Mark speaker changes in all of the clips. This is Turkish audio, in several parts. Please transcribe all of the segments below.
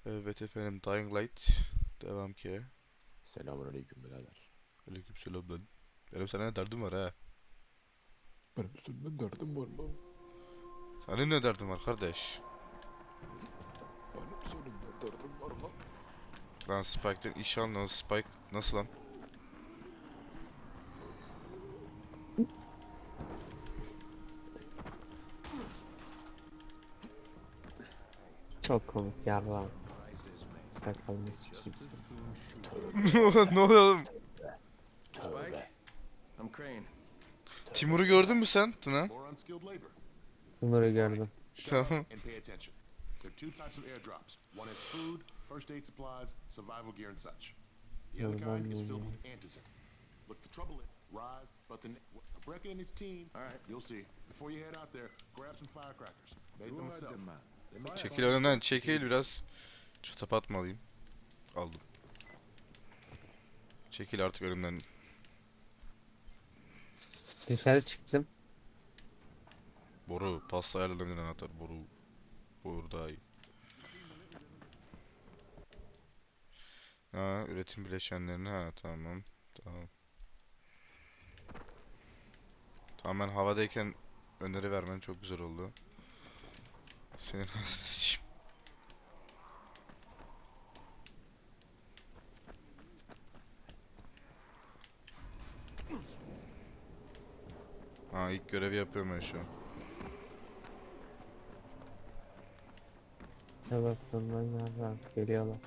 Speaker 1: Evet efendim, Dying Light. Devam ki.
Speaker 2: Selamünaleyküm birader.
Speaker 1: Aleykümselam ben. Benim sana ne derdim var ha?
Speaker 2: Benim seninle derdim var lan.
Speaker 1: Senin ne derdin var kardeş?
Speaker 2: Benim seninle derdim var lan.
Speaker 1: Lan Spike'den iş alın. Spike nasıl lan?
Speaker 3: Çok komik yarram. Sakalını sikeyim seni.
Speaker 2: Tövbe
Speaker 1: Ne oluyor oğlum?
Speaker 2: tövbe
Speaker 4: I'm Crane.
Speaker 1: Timur'u
Speaker 2: tövbe
Speaker 1: gördün mü sen Tuna?
Speaker 5: More unskilled labor.
Speaker 3: Bunları gördüm.
Speaker 5: Shut
Speaker 1: Tamam.
Speaker 5: up and pay attention. There are two types of airdrops. One is food, first aid supplies, survival gear, and such. The other kind is filled with antizin. Look, the trouble is, Rise, but Brecca and his team.
Speaker 4: All right.
Speaker 5: You'll see. Before you head out there, grab some firecrackers. Made them myself.
Speaker 1: Çekil önümden, çekil biraz. Çatapat alayım? Aldım. Çekil artık önümden.
Speaker 3: Dışarı çıktım.
Speaker 1: Boru, pasta ayarlarından anahtar. Boru. Boru daha iyi. Ha, üretim bileşenlerini, ha tamam. Tamam. Tamam, ben havadayken öneri vermen çok güzel oldu. Senin ağzına sıçayım. Ha, ilk görevi yapıyorum ben şu an.
Speaker 3: Evet bundan yarram. Geliyorlar.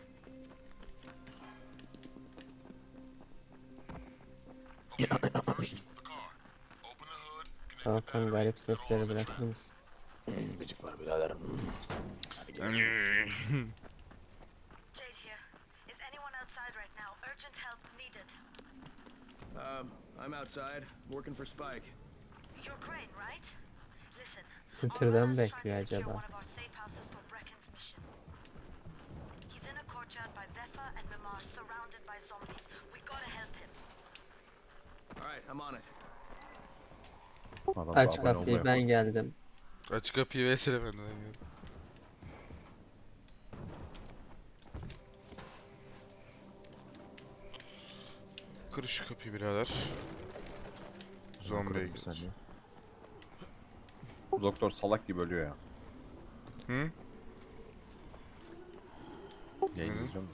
Speaker 3: Tamam garip sesleri bırakır mısın?
Speaker 2: Gıcık var birader. Hadi gidelim.
Speaker 6: Jade here. Is anyone outside right now? Urgent help needed.
Speaker 4: I'm outside, working for Spike.
Speaker 6: You're Crane, right? Listen.
Speaker 3: Twitter'dan mı
Speaker 6: Oliver's trying
Speaker 3: bekliyor
Speaker 6: to secure
Speaker 3: acaba?
Speaker 6: one of our safe houses for Brecken's mission. He's in a courtyard by Vefa and Mimar, surrounded by zombies. We gotta help him.
Speaker 4: All right, I'm on it.
Speaker 2: Adam da
Speaker 3: Aç
Speaker 2: abone
Speaker 3: kapıyı
Speaker 2: olmaya
Speaker 3: ben geldim.
Speaker 1: Aç kapıyı versene benden. Kır şu kapıyı birader. Zombiye
Speaker 2: Kırarım bir
Speaker 1: gir.
Speaker 2: saniye. Bu doktor salak gibi ölüyor ya.
Speaker 1: Hı?
Speaker 2: Yayın
Speaker 1: Hı.
Speaker 2: izliyor musun?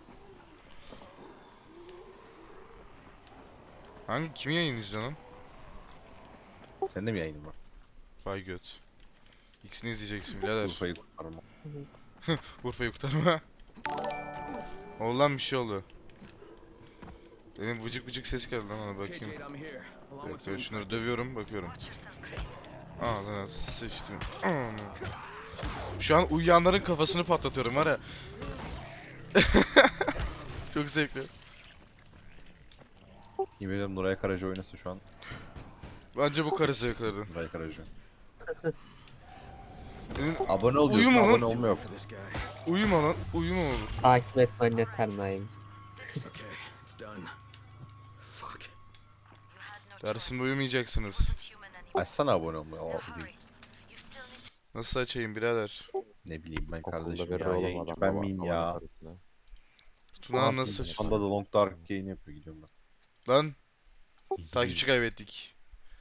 Speaker 1: Kimi yayın izliyorsun lan?
Speaker 2: Senin de mi yayının var?
Speaker 1: Vay göt. İkisini izleyeceksin birader.
Speaker 2: Urfa'yı kurtarma.
Speaker 1: Urfa'yı kurtarma. Oldu lan, bir şey oldu. Benim vıcık vıcık ses geldi lan, ona
Speaker 4: Okay,
Speaker 1: bakayım.
Speaker 4: Jade, I'm here, along with some
Speaker 1: Evet, şunları
Speaker 4: infected.
Speaker 1: dövüyorum, bakıyorum.
Speaker 6: Watch yourself, Crane.
Speaker 1: Aa lan, sıçtım. Şu an uyuyanların kafasını patlatıyorum var ya. Çok zevkli.
Speaker 2: Yemin ediyorum Nuray Karaca oynasa şu an.
Speaker 1: Bence bu karı zevklerdi.
Speaker 2: Nuray Karaca.
Speaker 1: Senin
Speaker 2: Abone ol diyorsun,
Speaker 1: Uyuma lan.
Speaker 2: abone olma yok.
Speaker 4: For this guy.
Speaker 1: uyuma lan, uyuma olur.
Speaker 3: Takip etmen yeter Naim.
Speaker 4: Okay, it's done. Fuck.
Speaker 6: You had no
Speaker 1: Dersinde uyumayacaksınız.
Speaker 6: wasn't human anymore.
Speaker 2: Açsana abone olmayı.
Speaker 6: Now
Speaker 2: Aa,
Speaker 6: hurry.
Speaker 2: değil.
Speaker 6: You still need to
Speaker 1: Nasıl açayım birader?
Speaker 2: Ne bileyim ben
Speaker 7: Okulda
Speaker 2: kardeşim
Speaker 7: verir
Speaker 2: ya.
Speaker 7: oğlum
Speaker 2: Yayıncı
Speaker 7: adam
Speaker 2: ben miyim ya?
Speaker 7: parasını.
Speaker 1: Tuna nasıl?
Speaker 2: Panda da Long Dark yayın yapıyor, gidiyorum ben.
Speaker 1: Lan, takipçi kaybettik.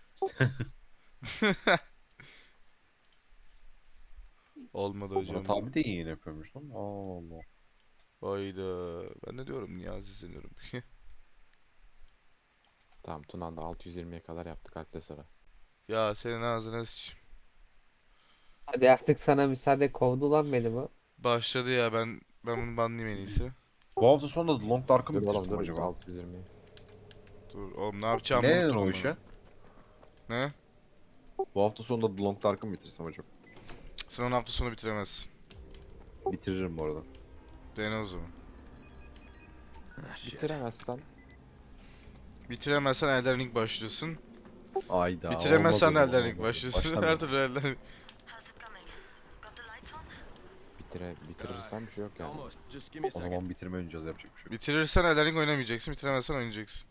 Speaker 1: Olmadı hocam.
Speaker 2: Murat abi de yayın yapıyormuş lan. Allah Allah.
Speaker 1: Hayda. Ben ne diyorum, Niyazi izleniyorum.
Speaker 7: Tamam Tuna'nda 620'ye kadar yaptık alple sıra.
Speaker 1: Ya senin ağzına sıçayım.
Speaker 3: Hadi artık sana müsaade, kovdu lan beni bu.
Speaker 1: Başladı ya, ben bunu banlayayım en iyisi.
Speaker 2: Bu hafta sonunda da Long Dark'ı mı
Speaker 7: Dur oğlum
Speaker 2: bitirsem
Speaker 7: dur
Speaker 2: acaba?
Speaker 7: 620'yi.
Speaker 1: Dur oğlum, ne yapacağımı
Speaker 2: Ne
Speaker 1: unuttum
Speaker 2: o
Speaker 1: onu.
Speaker 2: işe?
Speaker 1: Ne?
Speaker 2: Bu hafta sonunda da Long Dark'ı mı bitirsem acaba?
Speaker 1: Sen onu hafta sonu bitiremezsin.
Speaker 2: Bitiririm bu arada.
Speaker 1: Dene o zaman.
Speaker 4: Ah, shit.
Speaker 7: Bitiremezsen
Speaker 1: Bitiremezsen Elden Ring başlıyorsun.
Speaker 2: Ayda.
Speaker 1: Bitiremezsen
Speaker 2: olmaz o zaman,
Speaker 1: Elden Ring
Speaker 2: olmaz.
Speaker 1: başlıyorsun.
Speaker 2: Başlamayayım.
Speaker 1: Her türlü Elden Ring.
Speaker 6: How's it coming? Got the lights on?
Speaker 7: bitirirsen bir şey yok yani.
Speaker 4: Almost. Just give me a
Speaker 2: O
Speaker 4: second.
Speaker 2: zaman bitirme oynayacağız, yapacak bir şey yok.
Speaker 1: Bitirirsen Elden Ring oynamayacaksın. Bitiremezsen oynayacaksın.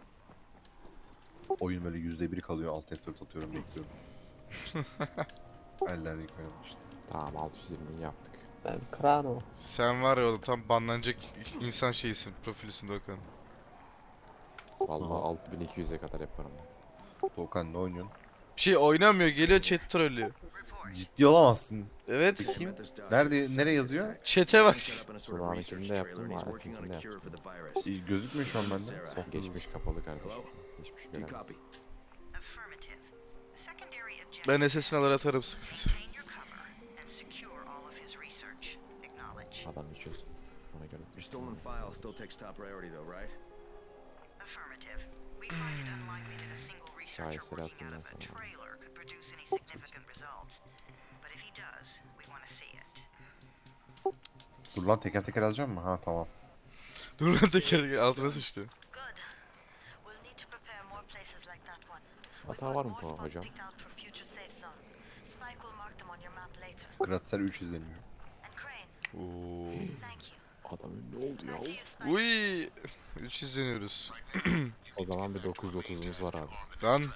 Speaker 2: Oyun böyle %1 kalıyor. Alt F4 atıyorum, bekliyorum.
Speaker 8: Elden yıkayalım işte.
Speaker 7: Tamam 620'yi yaptık.
Speaker 3: Ben Krano.
Speaker 1: Sen var ya oğlum tam banlanacak insan şeyisin, profilisin Doğukan.
Speaker 7: Vallahi 6200'e kadar yaparım.
Speaker 8: Doğukan ne oynuyorsun?
Speaker 1: Bir şey oynamıyor, geliyor chat trollüyor.
Speaker 8: Ciddi olamazsın.
Speaker 1: Evet.
Speaker 8: Bakayım. Nereye yazıyor?
Speaker 1: Chat'e bak.
Speaker 7: Sunağınkini de yaptım, Arif'inkini de yaptım.
Speaker 8: Gözükmüyor şu an bende.
Speaker 7: Son geçmiş kapalı kardeşim. Hiçbir şey göremezsin.
Speaker 6: Affirmative. Secondary objective.
Speaker 1: Ben SS'ini alır atarım sıkıntı.
Speaker 6: Maintain your cover and secure all of his research. Acknowledge.
Speaker 7: Adam içiyorsun. Ona göre.
Speaker 4: Your stolen file still takes top priority though, right?
Speaker 6: Affirmative. We find it unlikely that a single researcher
Speaker 7: Şaheser
Speaker 6: working
Speaker 7: atayım ben
Speaker 6: out of a
Speaker 7: sana.
Speaker 6: trailer could produce any significant results. But if he does, we want to see it.
Speaker 8: Dur lan teker teker alacağım mı? Ha tamam.
Speaker 1: Dur lan teker altına sıçtı.
Speaker 6: Good. We'll need to prepare more places like that one.
Speaker 7: Hata var mı bu hocam?
Speaker 6: Picked out for future safe zones. Spike will mark them on your map later.
Speaker 8: Kratsel 3 izleniyor.
Speaker 6: And Crane,
Speaker 1: Oo.
Speaker 6: thank you.
Speaker 7: Adam ünlü oldu ya.
Speaker 6: Back to you, Spike.
Speaker 1: Uy. 3 izleniyoruz.
Speaker 7: O zaman bir 930'umuz var abi.
Speaker 1: Lan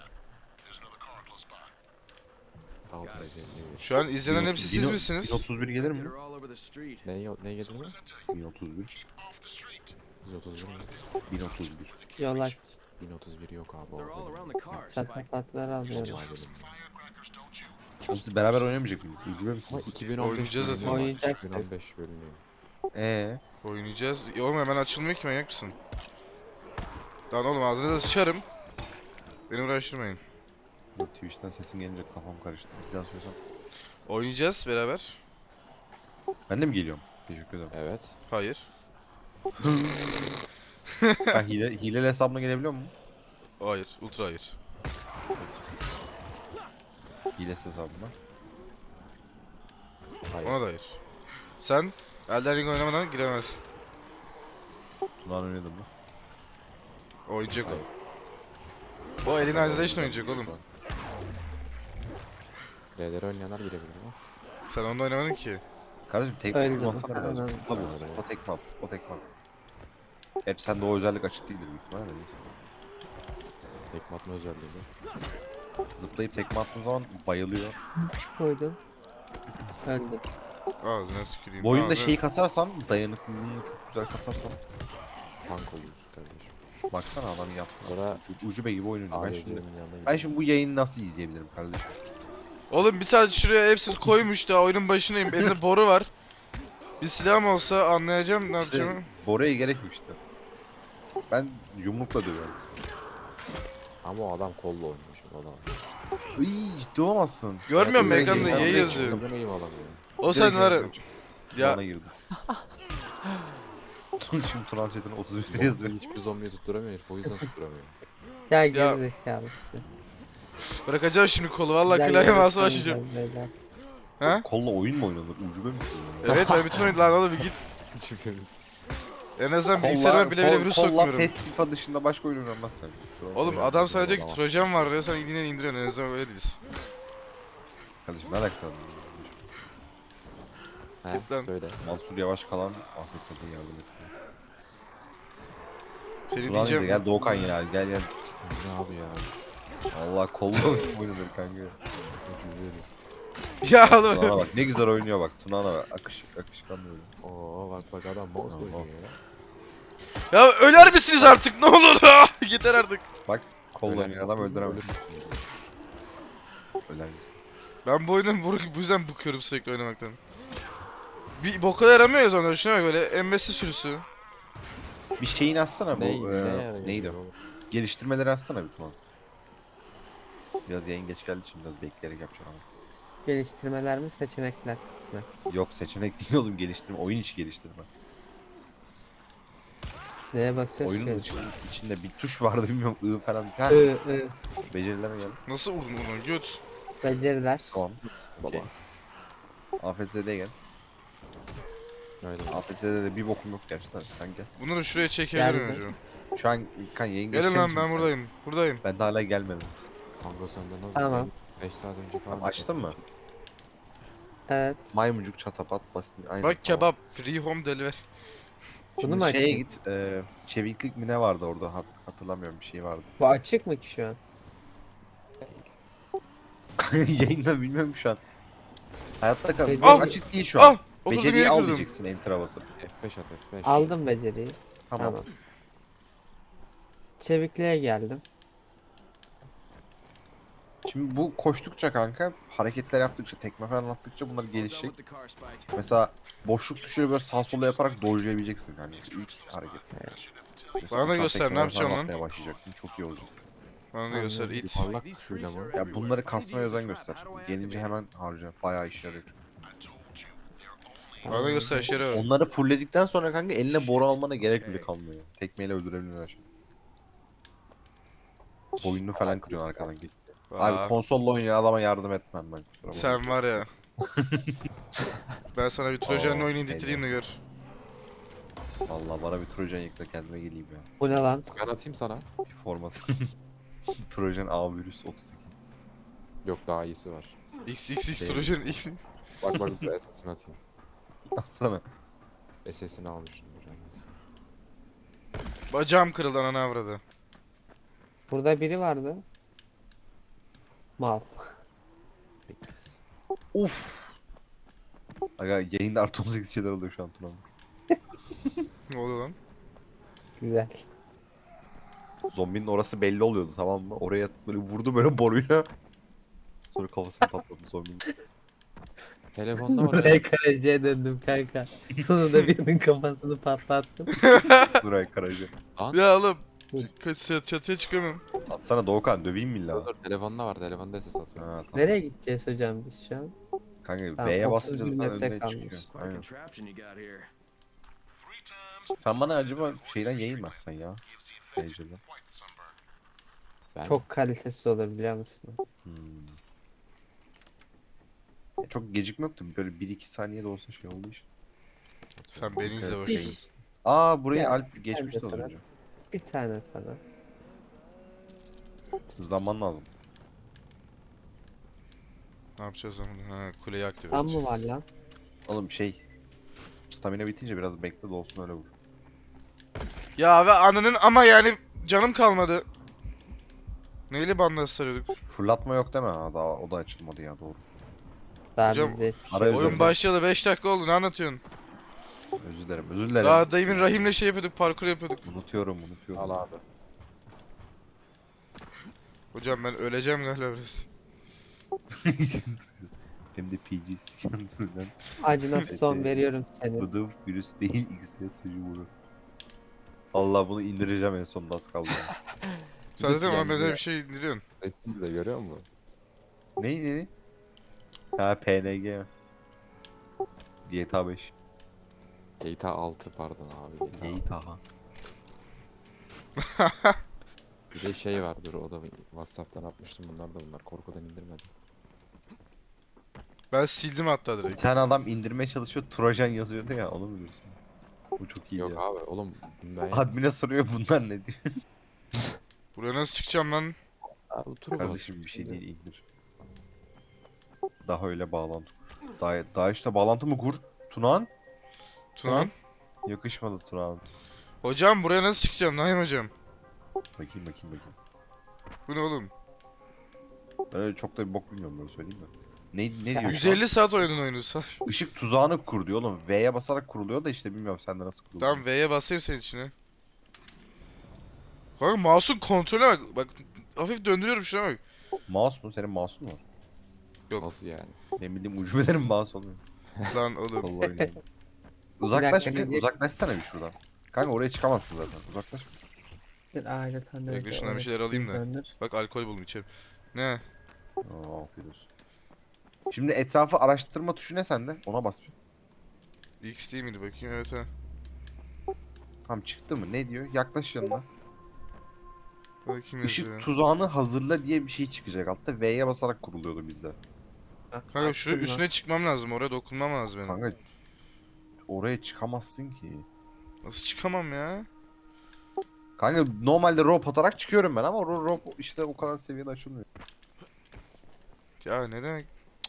Speaker 7: Altı recelliği bir.
Speaker 1: şu an izlenen hepsi siz misiniz?
Speaker 8: 1031 gelir mi?
Speaker 4: They're all over the street.
Speaker 7: Ne gelir mi?
Speaker 8: 1031.
Speaker 7: 131 mi?
Speaker 8: 1031.
Speaker 3: Yol aç.
Speaker 7: 1031 yok abi.
Speaker 4: They're all
Speaker 7: O
Speaker 4: around the car, Spike.
Speaker 3: Çatapatları alıyorum.
Speaker 7: benim.
Speaker 8: Oğlum siz beraber oynamayacak mıyız? Ucube
Speaker 7: Ama
Speaker 8: misiniz?
Speaker 7: 2015
Speaker 1: Oynayacağız
Speaker 7: bölümü
Speaker 1: zaten.
Speaker 7: var.
Speaker 3: Oynayacaktık.
Speaker 7: 2015 bölümü.
Speaker 1: Oynayacağız. Oğlum hemen açılmıyor ki, manyak mısın? Lan oğlum ağzına da sıçarım. Beni uğraştırmayın.
Speaker 8: Twitch'ten sesin gelince kafam karıştı. Bir daha söylesem.
Speaker 1: Oynayacağız beraber.
Speaker 8: Ben de mi geliyorum? Teşekkür ederim.
Speaker 7: Evet.
Speaker 1: Hayır.
Speaker 8: Ben hileli hesabına gelebiliyor muyum?
Speaker 1: Hayır. Ultra hayır.
Speaker 8: Hilesiz hesabına.
Speaker 7: Hayır.
Speaker 1: Ona da hayır. Sen Elden Ring oynamadan giremezsin.
Speaker 8: Tunağan oynadı mı?
Speaker 1: Oynayacak
Speaker 7: Hayır.
Speaker 1: o. O Alien Isolation oynayacak oğlum.
Speaker 7: RDR oynayanlar girebilir mi?
Speaker 1: Sen onda oynamadın ki.
Speaker 8: Kardeşim tek
Speaker 3: Öyle
Speaker 8: atmasana
Speaker 3: mi?
Speaker 8: birazcık.
Speaker 3: Anladım.
Speaker 8: Zıpla bu. Zıpla tekme at. O tekme at. Gerçi sende o özellik açık değildir büyük ihtimalle de neyse.
Speaker 7: Tekme atma özelliği mi?
Speaker 8: Zıplayıp tekme attığın zaman bayılıyor.
Speaker 3: Koydum. Öldü.
Speaker 1: Ağzına tüküreyim.
Speaker 8: Bu oyunda
Speaker 1: ağzına-
Speaker 8: şeyi kasarsan, dayanıklılığını çok güzel kasarsan.
Speaker 7: Tank oluyorsun kardeşim.
Speaker 8: Baksana adam yaptı.
Speaker 7: Orada
Speaker 8: Ucube gibi oynuyor. Ben
Speaker 7: ADC'nin
Speaker 8: şimdi,
Speaker 7: yanına
Speaker 8: ben
Speaker 7: gidiyor.
Speaker 8: şimdi bu yayını nasıl izleyebilirim kardeşim?
Speaker 1: Oğlum bir saat şuraya hepsini koymuş da oyunun başındayım. Elimde boru var. Bir silahım olsa anlayacağım ne
Speaker 8: İşte
Speaker 1: yapacağımı.
Speaker 8: Bora'ya gerek yok işte. Ben yumrukla dövüyorum seni.
Speaker 7: Ama o adam kolla oynuyor şimdi o da.
Speaker 8: Iy, ciddi olamazsın.
Speaker 1: Görmüyor musun
Speaker 8: Ben
Speaker 1: ekranda
Speaker 8: direkt-
Speaker 1: Y
Speaker 8: direkt-
Speaker 1: yazıyor.
Speaker 7: Kadın eğim alamıyor.
Speaker 1: O
Speaker 8: direkt
Speaker 1: sen var ya.
Speaker 8: yayından çıktım.
Speaker 1: Ya
Speaker 8: Tunağan'a girdim. Şimdi Tunan chatine 31 yazıyor.
Speaker 7: Hiçbir zombiyi tutturamıyor herif, o yüzden tutturamıyor.
Speaker 3: Ya gerizekalı işte.
Speaker 1: bırakacağım şimdi kolu. Vallahi
Speaker 3: Güzel
Speaker 1: klavye mouse'a
Speaker 3: yarışmayın
Speaker 1: başlayacağım.
Speaker 3: beyler.
Speaker 1: Ha?
Speaker 8: Kolla oyun mu oynanır? Ucube misin?
Speaker 1: Evet ben bütün oyun lan oğlum bir git.
Speaker 7: Şüphemiz.
Speaker 1: En azından bilgisayarıma bile bile virüs
Speaker 8: Kolla
Speaker 1: sokmuyorum.
Speaker 8: PES FIFA dışında başka oyun oynanmaz kanka.
Speaker 1: Oğlum adam sana diyor ki
Speaker 7: Tamam.
Speaker 1: Trojan var diyor, sen yine indiriyorsun, en azından öyle değiliz.
Speaker 8: Kardeşim ne alakası var?
Speaker 7: He
Speaker 1: Git lan.
Speaker 7: söyle.
Speaker 8: Mansur Yavaş kalan Ahmet Sakın yardım et.
Speaker 1: Seni
Speaker 8: Tunan bize
Speaker 1: diyeceğim.
Speaker 8: gel Doğukan ya gel gel.
Speaker 7: Ne abi ya?
Speaker 8: Allah kolla oynanır kanka.
Speaker 1: Ya oğlum.
Speaker 8: Tunan'a bak ne güzel oynuyor bak Tunan'a bak akışkan böyle.
Speaker 7: Oo bak adam mouse
Speaker 8: Tamam.
Speaker 7: oynuyor ya.
Speaker 1: Ya öler misiniz artık ne olur yeter artık.
Speaker 8: Bak kolla
Speaker 7: Ölen
Speaker 8: oynuyor adam
Speaker 7: ölür
Speaker 8: öldüremez.
Speaker 7: müsünüz?
Speaker 8: Öler misiniz?
Speaker 1: Ben bu oyunu bu yüzden bıkıyorum sürekli oynamaktan. Bir boka yaramıyor ya sonra, şuna bak böyle embesi sürüsü.
Speaker 8: Bir şeyini açsana bu
Speaker 7: Ne
Speaker 8: neydi? Geliştirmeleri açsana bir Tunan. Biraz yayın geç geldiği için biraz bekleyerek yapacağım ama.
Speaker 3: Geliştirmeler mi seçenekler mi?
Speaker 8: Yok seçenek değil oğlum geliştirme. Oyun içi geliştirme.
Speaker 3: Neye basıyorsun
Speaker 8: Oyunun
Speaker 3: ki?
Speaker 8: içinde bir tuş vardı bilmiyorum I falan. Ha,
Speaker 3: I.
Speaker 8: becerilere gel.
Speaker 1: Nasıl vurdun onu göt?
Speaker 3: Beceriler.
Speaker 8: Tamam.
Speaker 7: Baba.
Speaker 8: AFS'de gel.
Speaker 7: Öyle.
Speaker 8: AFS'de de bir bokum yok gerçekten. Sen gel.
Speaker 1: Bunları şuraya çekebilirim
Speaker 3: Geldi.
Speaker 1: hocam.
Speaker 8: Şu an kan yayın geç
Speaker 1: Gelin
Speaker 8: geldiği
Speaker 1: lan
Speaker 8: için
Speaker 1: ben
Speaker 8: sen-
Speaker 1: buradayım. Buradayım.
Speaker 8: Ben de hala gelmedim.
Speaker 7: Kanka senden nasıl?
Speaker 3: Tamam.
Speaker 7: 5 saat önce falan.
Speaker 8: Tamam, açtın mı?
Speaker 3: Evet.
Speaker 8: Maymuncuk çatapat basit. Aynen,
Speaker 1: Bak
Speaker 8: tamam.
Speaker 1: kebap. Free home delivery.
Speaker 3: Bunu
Speaker 8: Şimdi
Speaker 3: mu
Speaker 8: şeye
Speaker 3: açayım?
Speaker 8: git. Çeviklik mi ne vardı orada hatırlamıyorum bir şey vardı.
Speaker 3: Bu açık mı ki şu an?
Speaker 8: Yayında bilmiyorum şu an. Hayatta kal.
Speaker 3: Peki.
Speaker 8: Çok açık değil şu an.
Speaker 1: Ah! Oturdum
Speaker 8: Beceriyi
Speaker 1: yere
Speaker 8: al
Speaker 1: kırdım.
Speaker 8: diyeceksin enter basıp.
Speaker 7: F5 at F5.
Speaker 3: Aldım beceriyi.
Speaker 8: Tamam.
Speaker 3: Tamam. Çevikliğe geldim.
Speaker 8: Şimdi bu koştukça kanka hareketler yaptıkça tekme falan attıkça bunlar
Speaker 4: All done
Speaker 8: gelişecek.
Speaker 4: with the car, Spike.
Speaker 8: Mesela boşluk tuşuyla böyle sağ sola yaparak dojlayabileceksin kanka. Mesela ilk hareket. Mesela
Speaker 1: Bana da
Speaker 8: uçan
Speaker 1: göster, ne
Speaker 8: tekmeler
Speaker 1: yapacağım
Speaker 8: falan
Speaker 1: lan?
Speaker 8: atmaya başlayacaksın. Çok iyi olacak.
Speaker 1: Bana da göster it.
Speaker 7: Parlak
Speaker 4: These
Speaker 7: tuşuyla
Speaker 4: freaks
Speaker 7: mı?
Speaker 4: are
Speaker 8: Ya
Speaker 4: everywhere.
Speaker 8: bunları
Speaker 4: If I need to
Speaker 8: kasmaya
Speaker 4: use a
Speaker 8: özen
Speaker 4: trap,
Speaker 8: göster.
Speaker 4: how do I
Speaker 8: Gelince
Speaker 4: activate
Speaker 8: hemen harca. Bayağı işe yarıyor çünkü.
Speaker 1: Bana göster Şero.
Speaker 8: Onları fullledikten sonra kanka eline boru almana gerek bile
Speaker 4: Okay.
Speaker 8: kalmıyor. Tekmeyle öldürebiliyorsun her şeyi. Boynunu falan kırıyorsun arkadan git. Abi
Speaker 1: Aa,
Speaker 8: konsolla oynayan adama yardım etmem ben kusura bakma.
Speaker 1: sen var ya. Ben sana bir Trojan'la
Speaker 8: Aa,
Speaker 1: oynayın ditireyim de gör.
Speaker 8: Vallahi bana bir Trojan yıkla kendime geleyim ya.
Speaker 3: Bu ne lan?
Speaker 7: Ben atayım sana.
Speaker 8: Bir forması. Trojan A virüs 32.
Speaker 7: Yok daha iyisi var.
Speaker 1: XXX
Speaker 8: Değil.
Speaker 1: Trojan X.
Speaker 7: Bak bak bir SS'ini atayım.
Speaker 8: Atsana.
Speaker 7: SS'ini almıştım hocam. neyse.
Speaker 1: Bacağım kırıldı ananı avradı.
Speaker 3: Burada biri vardı. Mal.
Speaker 7: Peks.
Speaker 8: Uf. Aga yayında artı 18 şeyler oluyor şu an Tuna.
Speaker 1: Ne oluyor lan?
Speaker 3: Güzel.
Speaker 8: Zombinin orası belli oluyordu tamam mı? Oraya böyle vurdu böyle boruyla. Sonra kafasını patladı zombinin.
Speaker 7: Telefonda var ya.
Speaker 3: Buraya karacaya döndüm kanka. Sonunda birinin kafasını patlattım.
Speaker 8: Duray Karaca.
Speaker 1: Ya oğlum. Çatıya çıkamıyorum.
Speaker 8: Atsana Doğukan döveyim mi illa?
Speaker 7: Dur telefonda var. Telefonda SS atıyorum.
Speaker 8: Ha, tamam.
Speaker 3: Nereye gideceğiz hocam biz şu an?
Speaker 8: Kanka
Speaker 3: Tamam,
Speaker 8: B'ye
Speaker 3: 31
Speaker 8: basınca zaten
Speaker 3: metre
Speaker 8: önüne
Speaker 3: kalmış.
Speaker 8: çıkıyor.
Speaker 4: Quite a
Speaker 8: Aynen.
Speaker 4: contraption you got here.
Speaker 8: Sen bana acaba şeyden yayılmazsan ya. Heyecandan.
Speaker 7: Ben
Speaker 3: Çok kalitesiz olur biliyor musun?
Speaker 8: Çok gecikme yoktu. Böyle 1-2 saniye de olsa şey oldu işte.
Speaker 1: Sen beni izle
Speaker 8: Evet,
Speaker 1: bak.
Speaker 8: şey. Aa buraya
Speaker 3: Ya,
Speaker 8: Alp geçmişti az
Speaker 3: mesela.
Speaker 8: önce.
Speaker 3: Bir tane sana.
Speaker 8: Hızlanman lazım.
Speaker 1: Ne yapacağız lan? Ha, kuleyi aktive
Speaker 3: Tam
Speaker 1: edeceğim.
Speaker 3: mı var lan?
Speaker 8: Oğlum şey. Stamina bitince biraz bekle de olsun öyle vur.
Speaker 1: Ya ve ananın ama yani canım kalmadı. Neyle bandaj sarıyorduk?
Speaker 8: Fırlatma yok deme ha daha o da açılmadı ya doğru.
Speaker 3: Daha
Speaker 1: Hocam,
Speaker 3: bizde
Speaker 8: Ara
Speaker 1: Oyun
Speaker 8: özür
Speaker 1: başlayalı 5 dakika oldu, ne anlatıyorsun?
Speaker 8: Özür dilerim özür dilerim.
Speaker 1: Daha dayımın Rahim'le şey yapıyorduk, parkur yapıyorduk.
Speaker 8: Unutuyorum.
Speaker 7: al abi.
Speaker 1: Hocam ben öleceğim galiba biraz.
Speaker 8: Hem de PG sıkıntımdan.
Speaker 3: acına son
Speaker 8: Evet,
Speaker 3: veriyorum seni.
Speaker 8: Bıdıf virüs değil X'de sıcı vuru. Allah bunu indireceğim en sonunda az kaldı.
Speaker 1: Sen zaten bana
Speaker 7: yani
Speaker 1: benzer
Speaker 7: ya.
Speaker 1: bir şey indiriyorsun.
Speaker 7: Resimde de görüyor musun?
Speaker 8: Neydi? Ha PNG. GTA 5.
Speaker 7: GTA 6 pardon abi. GTA 6.
Speaker 8: GTA.
Speaker 7: Bir de şey var dur o da WhatsApp'tan atmıştım bunlar korkudan indirmedim.
Speaker 1: Ben sildim hatta
Speaker 8: Bir
Speaker 1: direkt.
Speaker 8: tane adam indirmeye çalışıyor Trojan yazıyordu ya onu mu diyorsun? Bu çok iyi
Speaker 7: Yok
Speaker 8: ya.
Speaker 7: abi oğlum ben
Speaker 8: Admin'e soruyor bunlar ne diyor.
Speaker 1: Buraya nasıl çıkacağım lan?
Speaker 7: abi turu
Speaker 8: Kardeşim bir şey değil indir. Daha öyle bağlantı kur. Daha işte bağlantı mı kur? Tunağan?
Speaker 1: Tunan.
Speaker 8: Yakışmadı Tunağan.
Speaker 1: Hocam buraya nasıl çıkacağım Naim hocam?
Speaker 8: Bakayım.
Speaker 1: Bu ne oğlum?
Speaker 8: Ben öyle çok da bir bok bilmiyorum böyle söyleyeyim mi? Ne diyor şu an?
Speaker 1: 150 saat oynadın oyunu.
Speaker 8: Işık tuzağını kur diyor oğlum. V'ye basarak kuruluyor da işte bilmiyorum sende nasıl kuruluyor.
Speaker 1: Tamam V'ye basayım senin içine. Kanka mouse'un kontrolüne bak. Bak hafif döndürüyorum şuna bak.
Speaker 8: Mouse mu? Senin mouse'un mu var?
Speaker 7: nasıl yani?
Speaker 8: Ne bileyim ucubelerin mouse oluyor.
Speaker 1: Lan oğlum.
Speaker 8: Vallahi öyle. Uzaklaş
Speaker 3: dakika,
Speaker 8: bir,
Speaker 3: ne-
Speaker 8: uzaklaşsana bir şuradan. Kanka oraya çıkamazsın zaten. Uzaklaş.
Speaker 3: Bir aile tanrı.
Speaker 1: Bekle, şundan bir şeyler alayım da. Bak alkol buldum içerim. Ne?
Speaker 8: Aa, afiyet olsun. Şimdi etrafı araştırma tuşu ne sende? Ona bas bir.
Speaker 1: X değil miydi bakayım? Evet ha.
Speaker 8: Tam çıktı mı? Ne diyor? Yaklaş yanına.
Speaker 1: Bakayım
Speaker 8: Işık
Speaker 1: yazıyor.
Speaker 8: tuzağını hazırla diye bir şey çıkacak altta. V'ye basarak kuruluyordu bizde.
Speaker 1: Kanka şu üstüne çıkmam lazım. Oraya dokunmam lazım benim.
Speaker 8: Kanka oraya çıkamazsın ki.
Speaker 1: Nasıl çıkamam ya?
Speaker 8: Kanka normalde rope atarak çıkıyorum ben ama rope işte o kadar seviyede açılmıyor.
Speaker 1: Ya ne demek?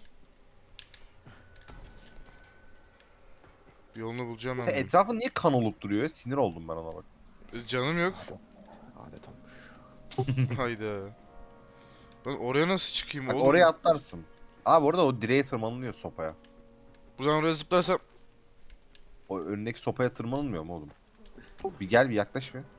Speaker 1: Bir yolunu bulacağım ben.
Speaker 8: Sen
Speaker 1: bunun.
Speaker 8: etrafın niye kan olup duruyor ya? Sinir oldum ben ona bak.
Speaker 1: Canım yok.
Speaker 7: Adet olmuş.
Speaker 1: Hayda. Ben oraya nasıl çıkayım
Speaker 8: Bak
Speaker 1: oğlum?
Speaker 8: oraya atlarsın. Abi orada o direğe tırmanılıyor sopaya.
Speaker 1: Buradan oraya zıplarsam
Speaker 8: O önündeki sopaya tırmanılmıyor mu oğlum? Bir gel bir yaklaş bir.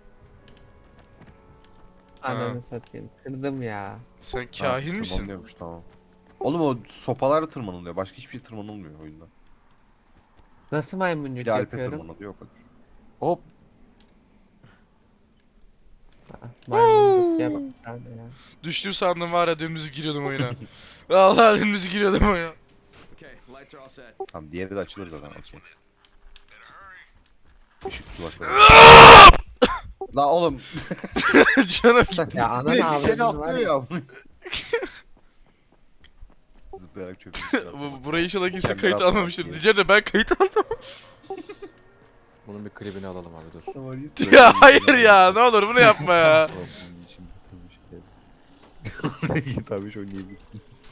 Speaker 3: Ananı satayım. Kırdım ya.
Speaker 1: sen
Speaker 8: Ha,
Speaker 1: kahin misin?
Speaker 8: Tırmanılıyormuş tamam. Oğlum o sopalarla tırmanılıyor. Başka hiçbir şey tırmanılmıyor oyunda.
Speaker 3: Nasıl
Speaker 8: Bir
Speaker 3: maymuncuk
Speaker 8: de Alp'e
Speaker 3: yapıyorum?
Speaker 8: tırmanılıyor o kadar.
Speaker 7: Hop.
Speaker 3: Ah, maymuncuk yap bir tane ya.
Speaker 1: Düştüm sandım var ya dümdüz giriyordum oyuna. Vallahi dümdüz giriyordum oyuna.
Speaker 4: Okay, lights are all set.
Speaker 8: Tamam diğeri de açılır zaten okey. Işık kulakları. La oğlum.
Speaker 1: Canım
Speaker 3: Ya ananı
Speaker 8: Seni
Speaker 3: avradını var
Speaker 8: atlıyor
Speaker 3: ya.
Speaker 8: ya. Zıplayarak çökmüş.
Speaker 1: burayı inşallah kimse
Speaker 8: Kendini
Speaker 1: kayıt
Speaker 8: atmak
Speaker 1: almamıştır.
Speaker 8: diye.
Speaker 1: Diyeceğim de ben kayıt aldım.
Speaker 7: Bunun bir klibini alalım abi dur.
Speaker 1: Ya hayır ya ne olur bunu yapma ya.
Speaker 8: Tabii şu oynayabilirsiniz.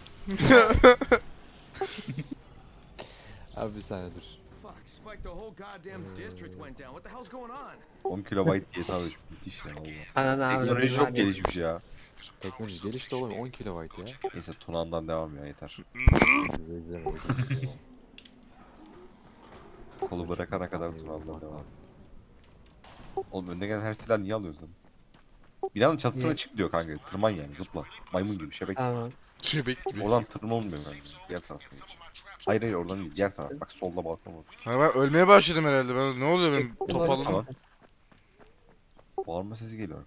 Speaker 7: Abi bir saniye dur.
Speaker 4: Fuck, Spike, the whole goddamn district went down. What the hell's going on?
Speaker 8: 10 kilobayt GTA 5 müthiş ya valla.
Speaker 3: Ananı
Speaker 8: Teknoloji
Speaker 3: avradını var
Speaker 8: çok
Speaker 3: ya.
Speaker 8: gelişmiş ya.
Speaker 7: Teknoloji gelişti oğlum 10 kilobayt ya.
Speaker 8: Neyse Tuna'ndan devam ya yeter. Kolu bırakana kadar Tuna'dan devam. Oğlum önüne gelen her silah niye alıyorsun sen? Binanın çatısına
Speaker 3: Niye?
Speaker 8: çık diyor kanka. Tırman yani zıpla. Maymun gibi şebek.
Speaker 3: Tamam.
Speaker 1: Şebek gibi.
Speaker 8: Oradan tırmanılmıyor bence. Diğer taraftan geç. Hayır hayır oradan değil. Diğer taraf. Bak solda balkon var.
Speaker 1: Ha ben ölmeye başladım herhalde. Ben, ne oluyor benim
Speaker 3: Çıktı
Speaker 1: topalladım.
Speaker 8: Tamam. Bağırma sesi geliyor.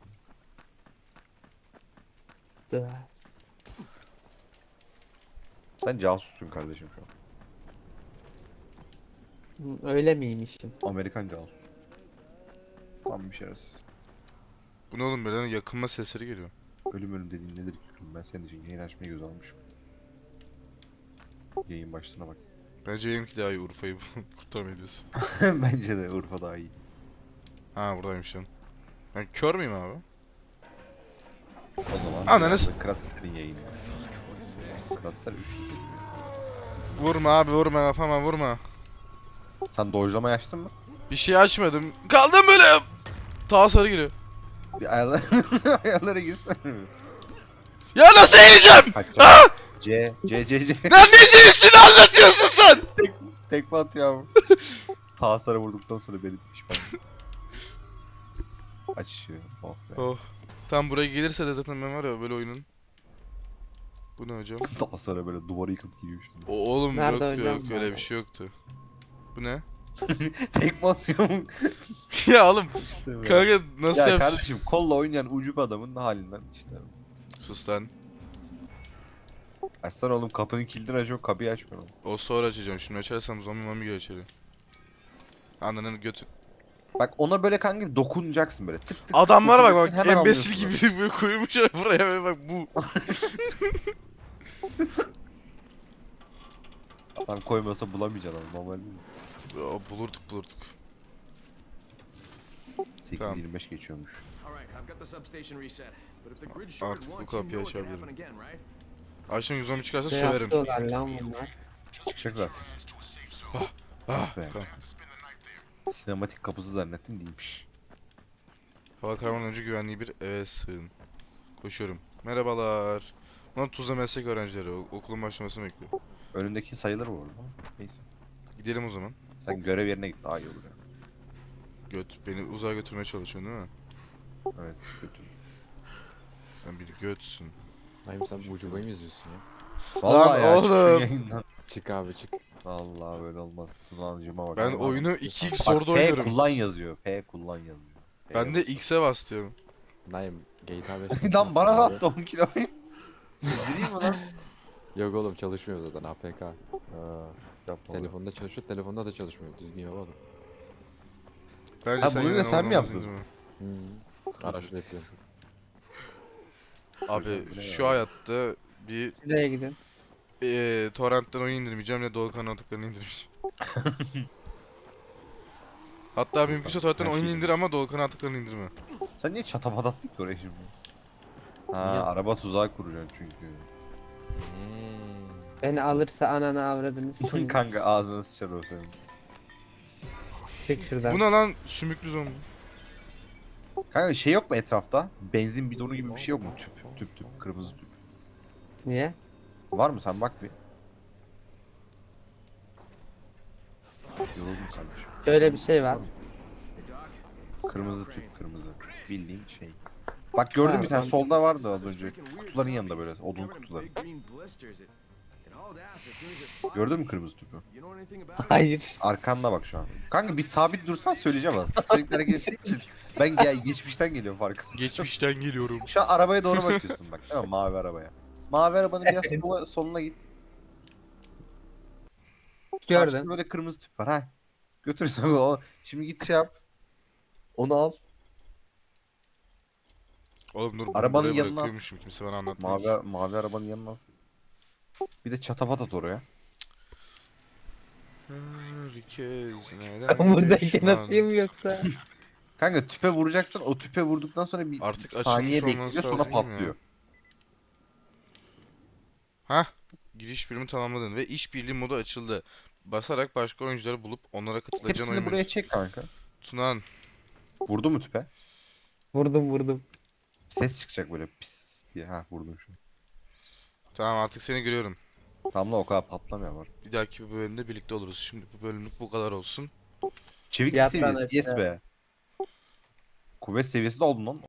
Speaker 3: Dur.
Speaker 8: Sen casussun kardeşim şu an.
Speaker 3: Öyle miymişim?
Speaker 8: Amerikan casus. Tam bir şerefsiz.
Speaker 1: Bu ne oğlum birden yakınma sesleri geliyor.
Speaker 8: Ölüm dediğin nedir ki? Ben senin için yayın açmayı göz almışım. Yayın başlığına bak.
Speaker 1: Bence benimki daha iyi Urfa'yı kurtarmaya diyorsun.
Speaker 8: Bence de Urfa daha iyi.
Speaker 1: Ha buradaymış lan. Ben kör müyüm abi?
Speaker 8: O zaman
Speaker 1: Ananı
Speaker 8: Kratzer'in yayını. Kratzer 3.
Speaker 1: Vurma abi vurma kafama vurma.
Speaker 8: Sen dojlama açtın mı?
Speaker 1: Bir şey açmadım. Kaldım böyle. Ta sarı geliyor.
Speaker 8: Bir ayarlara girsene.
Speaker 1: Ya nasıl eğileceğim?
Speaker 8: Kaçacağım. C.
Speaker 1: Lan ne cinsini anlatıyorsun sen?
Speaker 8: Tekme atıyor abi. Tasar'a vurduktan sonra beni pişman. Açıyor. Oh be.
Speaker 1: Oh. Tam buraya gelirse de zaten ben var ya böyle oyunun. Bu ne hocam?
Speaker 8: Tasar'a böyle duvarı yıkıp giriyor şimdi.
Speaker 1: O, oğlum
Speaker 3: Nerede
Speaker 1: yok
Speaker 3: hocam?
Speaker 1: yok öyle bir şey yoktu. Bu ne?
Speaker 8: Tekme atıyorum.
Speaker 1: Ya oğlum
Speaker 8: İşte böyle.
Speaker 1: kanka nasıl
Speaker 8: Ya
Speaker 1: yapacağım?
Speaker 8: kardeşim kolla oynayan ucub adamın halinden işte.
Speaker 1: Sus lan.
Speaker 8: Açsana oğlum kapının kilidini açıyor kapıyı açmıyor.
Speaker 1: O sonra açacağım. Şimdi açarsam zombi mami geliyor içeri. Ananın götü.
Speaker 8: Bak ona böyle kanka dokunacaksın böyle tık tık.
Speaker 1: Adamlara bak
Speaker 8: dokunacaksın,
Speaker 1: bak
Speaker 8: hemen
Speaker 1: embesil
Speaker 8: anlıyorsun
Speaker 1: gibi böyle koymuşlar buraya ve bak bu.
Speaker 8: Adam koymuyorsa bulamayacaksın ama normal değil mi?
Speaker 1: Ya, bulurduk.
Speaker 8: 8:25 geçiyormuş.
Speaker 4: All right, I've got the substation reset. But if the grid shorted
Speaker 1: Artık bu
Speaker 4: once, you
Speaker 1: kapıyı
Speaker 4: know it can
Speaker 1: açabilirim.
Speaker 4: happen again, right?
Speaker 1: Akşam zombi çıkarsa
Speaker 3: Ne
Speaker 1: söverim.
Speaker 3: yapıyorlar lan bunlar?
Speaker 8: Çıkacak zaten.
Speaker 1: Ah,
Speaker 8: Be.
Speaker 1: tamam.
Speaker 8: Sinematik kapısı zannettim değilmiş.
Speaker 1: Hava kararmadan önce güvenliği bir eve sığın. Koşuyorum. Merhabalar. Lan Tuzla meslek öğrencileri okulun başlamasını bekliyor.
Speaker 8: Önündeki sayılır bu arada. Neyse.
Speaker 1: Gidelim o zaman.
Speaker 8: Sen görev yerine git daha iyi olur ya.
Speaker 1: Göt beni uzağa götürmeye çalışıyorsun değil mi?
Speaker 8: Evet kötü.
Speaker 1: Sen bir götsün.
Speaker 7: Naim sen bu ucubayı mı izliyorsun ya?
Speaker 8: Vallahi ya çık şu
Speaker 1: oğlum.
Speaker 8: yayından.
Speaker 7: Çık abi çık.
Speaker 8: Vallahi böyle olmaz. Tunancıma bak.
Speaker 1: Ben
Speaker 8: Allah
Speaker 1: oyunu
Speaker 8: Allah.
Speaker 1: 2x
Speaker 8: Bak
Speaker 1: zorda
Speaker 8: F
Speaker 1: oynuyorum.
Speaker 8: kullan yazıyor. F kullan yazıyor.
Speaker 1: Ben de X'e bas diyorum.
Speaker 7: Naim GTA 5.
Speaker 8: Lan bana da attı 10 kiloyu. Gireyim mi lan?
Speaker 7: Yok oğlum çalışmıyor zaten APK.
Speaker 8: Ha, yapma.
Speaker 7: Telefonda çalışıyor, telefonda da çalışmıyor. Düzgün yap oğlum.
Speaker 1: Bence
Speaker 8: Ha, bunu
Speaker 1: yine
Speaker 8: da sen mi
Speaker 1: oynamazsın
Speaker 8: yaptın?
Speaker 1: değil mi?
Speaker 7: Araç bekliyorum.
Speaker 1: Abi
Speaker 8: Bu ne
Speaker 1: şu
Speaker 8: ya?
Speaker 1: hayatta bir
Speaker 3: Şuraya gidin.
Speaker 1: torrentten oyun indirmeyeceğim ne Doğukan atıklarını indirmeyeceğim. Hatta mümkünse torrentten
Speaker 8: her
Speaker 1: oyun
Speaker 8: şeyi
Speaker 1: indir ama Doğukan atıklarını indirme.
Speaker 8: Sen niye çatapat attın ki oraya şimdi? Ha
Speaker 7: Niye?
Speaker 8: araba tuzağı kuracaksın çünkü.
Speaker 3: Beni alırsa ananı avradını sikeyim.
Speaker 8: Kanka ağzına sıçar o senin.
Speaker 3: Çık şuradan.
Speaker 1: Bu ne lan sümüklü zombi.
Speaker 8: Kanka şey yok mu etrafta? Benzin bidonu gibi bir şey yok mu? Tüp kırmızı tüp.
Speaker 3: Niye?
Speaker 8: Var mı sen bak bir. Yoruldum kardeşim.
Speaker 3: Şöyle bir şey var.
Speaker 4: Hey, Doc.
Speaker 8: Kırmızı tüp kırmızı. Bildiğin şey. Bak gördün mü bir tane solda vardı az önce. Kutuların yanında böyle odun kutuları. Gördün mü kırmızı tüpü?
Speaker 3: Hayır.
Speaker 8: Arkanda bak şu an. Kanka bir sabit dursan söyleyeceğim aslında. Sürekli hareket ettiği için. Ben geçmişten geliyorum farkında.
Speaker 1: Geçmişten geliyorum.
Speaker 8: Şu an arabaya doğru bakıyorsun bak değil mi? Mavi arabaya. Mavi arabanın biraz soluna git. Karşında
Speaker 3: Gördüm.
Speaker 8: böyle kırmızı tüp var ha. Götürürsün onu. Şimdi git şey yap. Onu al.
Speaker 1: Oğlum dur, bunu
Speaker 8: Arabanın
Speaker 1: buraya
Speaker 8: yanına at.
Speaker 1: bırakıyormuşum, kimse bana anlatmadı.
Speaker 8: Mavi arabanın yanına al. Bir de çatapat at oraya.
Speaker 1: Herkes neden
Speaker 3: Ben buradayken
Speaker 1: düşman?
Speaker 3: atayım yoksa.
Speaker 8: Kanka tüpe vuracaksın. O tüpe vurduktan sonra bir
Speaker 1: Artık
Speaker 8: saniye
Speaker 1: açılmış
Speaker 8: bekliyor
Speaker 1: olması
Speaker 8: sonra
Speaker 1: lazım değil mi
Speaker 8: patlıyor.
Speaker 1: Hah. Giriş bölümü tamamladın ve işbirliği modu açıldı. Basarak başka oyuncuları bulup onlara katılacağın
Speaker 8: Hepsini
Speaker 1: oyun
Speaker 8: buraya
Speaker 1: menüsü.
Speaker 8: çek kanka.
Speaker 1: Tunan.
Speaker 8: Vurdu mu tüpe?
Speaker 3: Vurdum.
Speaker 8: Ses çıkacak böyle pis diye. Ha vurdum şunu.
Speaker 1: Tamam, artık seni görüyorum.
Speaker 8: Tam da o kadar patlamıyor var.
Speaker 1: Bir dahaki bir bölümde birlikte oluruz. Şimdi bu bölümlük bu kadar olsun.
Speaker 8: Çeviklik
Speaker 3: Yat lan
Speaker 8: seviyesi. Yes
Speaker 3: aşağı.
Speaker 8: be. Kuvvet seviyesi de oldun lan.